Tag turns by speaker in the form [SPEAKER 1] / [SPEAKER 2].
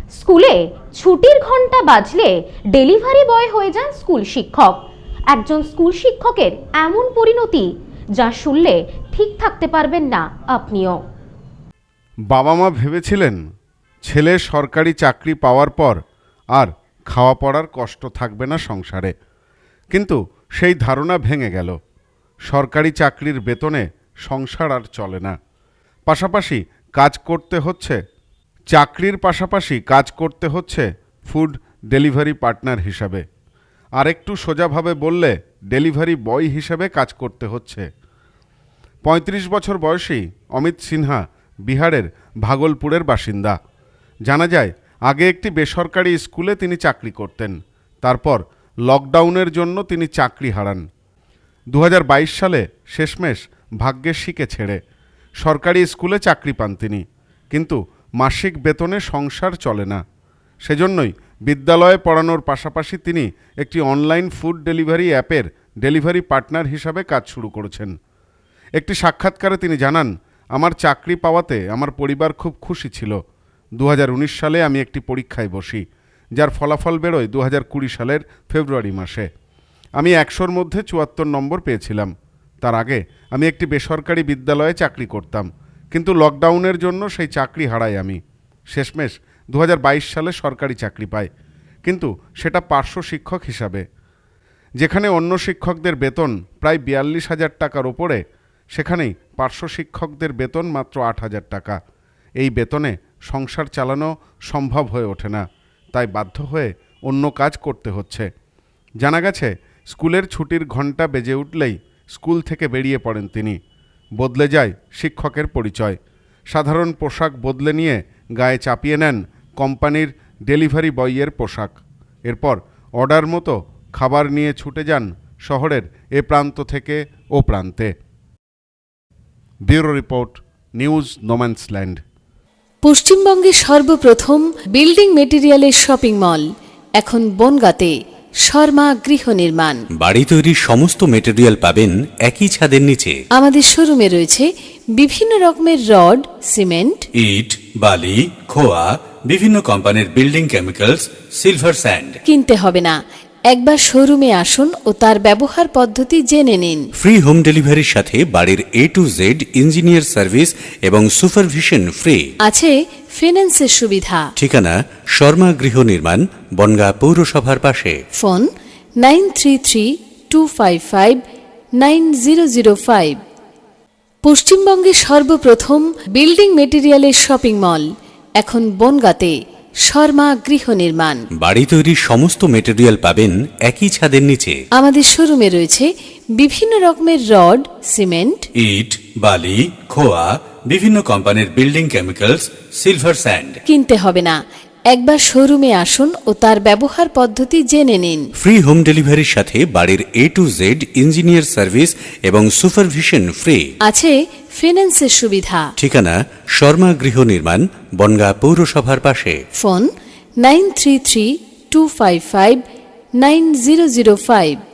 [SPEAKER 1] স্কুলে ছুটির ঘন্টা বাজলে ডেলিভারি বয় হয়ে যান স্কুল শিক্ষক। একজন স্কুল শিক্ষকের এমন পরিণতি যা শুনলে ঠিক থাকতে পারবেন না আপনিও।
[SPEAKER 2] বাবা মা ভেবেছিলেন ছেলে সরকারি চাকরি পাওয়ার পর আর খাওয়া পড়ার কষ্ট থাকবে না সংসারে, কিন্তু সেই ধারণা ভেঙে গেল। সরকারি চাকরির বেতনে সংসার আর চলে না। পাশাপাশি কাজ করতে হচ্ছে চাকরির পাশাপাশি কাজ করতে হচ্ছে ফুড ডেলিভারি পার্টনার হিসাবে, আর একটু সোজাভাবে বললে ডেলিভারি বয় হিসেবে কাজ করতে হচ্ছে। ৩৫ বছর বয়সী অমিত সিনহা বিহারের ভাগলপুরের বাসিন্দা। জানা যায় আগে একটি বেসরকারি স্কুলে তিনি চাকরি করতেন, তারপর লকডাউনের জন্য তিনি চাকরি হারান। ২০২২ সালে শেষমেশ ভাগ্যের শিকে ছেড়ে সরকারি স্কুলে চাকরি পান তিনি, কিন্তু মাসিক বেতনে সংসার চলে না। সেজন্যই বিদ্যালয়ে পড়ানোর পাশাপাশি তিনি একটি অনলাইন ফুড ডেলিভারি অ্যাপের ডেলিভারি পার্টনার হিসাবে কাজ শুরু করেছেন। একটি সাক্ষাৎকারে তিনি জানান, আমার চাকরি পাওয়াতে আমার পরিবার খুব খুশি ছিল। ২০১৯ সালে আমি একটি পরীক্ষায় বসি, যার ফলাফল বেরোয় ২০২০ সালের ফেব্রুয়ারি মাসে। আমি ১০০-র মধ্যে ৭৪ নম্বর পেয়েছিলাম। তার আগে আমি একটি বেসরকারি বিদ্যালয়ে চাকরি করতাম, কিন্তু লকডাউনের জন্য সেই চাকরি হারাই আমি। শেষমেশ ২০২২ সালে সরকারি চাকরি পাই, কিন্তু সেটা পার্শ্ব শিক্ষক হিসাবে। যেখানে অন্য শিক্ষকদের বেতন প্রায় ৪২,০০০ টাকার ওপরে, সেখানেই পার্শ্ব শিক্ষকদের বেতন মাত্র ৮,০০০ টাকা। এই বেতনে সংসার চালানো সম্ভব হয়ে ওঠে না, তাই বাধ্য হয়ে অন্য কাজ করতে হচ্ছে। জানা গেছে স্কুলের ছুটির ঘন্টা বেজে উঠলেই স্কুল থেকে বেরিয়ে পড়েন তিনি। বদলে যায় শিক্ষকের পরিচয়। সাধারণ পোশাক বদলে নিয়ে গায়ে চাপিয়ে নেন কোম্পানির ডেলিভারি বয়ের পোশাক। এরপর অর্ডার মতো খাবার নিয়ে ছুটে যান শহরের এ প্রান্ত থেকে ও প্রান্তে। Bureau report, news no man's land.
[SPEAKER 3] পশ্চিমবঙ্গের সর্বপ্রথম বিল্ডিং মেটেরিয়ালের শপিং মল এখন বনগাঁতে। শর্মা গৃহ নির্মাণ।
[SPEAKER 4] বাড়ি তৈরির সমস্ত মেটেরিয়াল পাবেন একই ছাদের নিচে।
[SPEAKER 3] আমাদের শোরুমে রয়েছে বিভিন্ন রকমের রড, সিমেন্ট,
[SPEAKER 4] ইট, বালি, খোয়া, বিভিন্ন কোম্পানির বিল্ডিং কেমিক্যালস, সিলভার স্যান্ড।
[SPEAKER 3] কিনতে হবে না, একবার শোরুমে আসুন ও তার ব্যবহার পদ্ধতি জেনে নিন।
[SPEAKER 4] ফ্রি হোম ডেলিভারির সাথে বাড়ির A to Z engineer service এবং সুপারভিশন ফ্রি।
[SPEAKER 3] আছে ফিন্যান্সের সুবিধা।
[SPEAKER 4] ঠিকানা শর্মা গৃহ নির্মাণ, বনগাঁ পৌরসভার পাশে।
[SPEAKER 3] ফোন 9332559005। পশ্চিমবঙ্গের সর্বপ্রথম বিল্ডিং মেটেরিয়ালের শপিং মল এখন বনগাঁতে। শর্মা গৃহ নির্মাণ।
[SPEAKER 4] বাড়ি তৈরির সমস্ত মেটেরিয়াল পাবেন একই ছাদের নিচে।
[SPEAKER 3] আমাদের শোরুমে রয়েছে বিভিন্ন রকমের রড, সিমেন্ট,
[SPEAKER 4] ইট, বালি, খোয়া, বিভিন্ন কোম্পানির বিল্ডিং কেমিক্যালস, সিলভার স্যান্ড।
[SPEAKER 3] কিনতে হবে না, একবার শোরুমে আসুন ও তার ব্যবহার পদ্ধতি জেনে নিন।
[SPEAKER 4] ফ্রি হোম ডেলিভারির সাথে বাড়ির A to Z engineer service এবং সুপারভিশন ফ্রি।
[SPEAKER 3] আছে ফিন্যান্সের সুবিধা।
[SPEAKER 4] ঠিকানা শর্মা গৃহ নির্মাণ, বনগাঁ পৌরসভার পাশে।
[SPEAKER 3] ফোন 9332559005।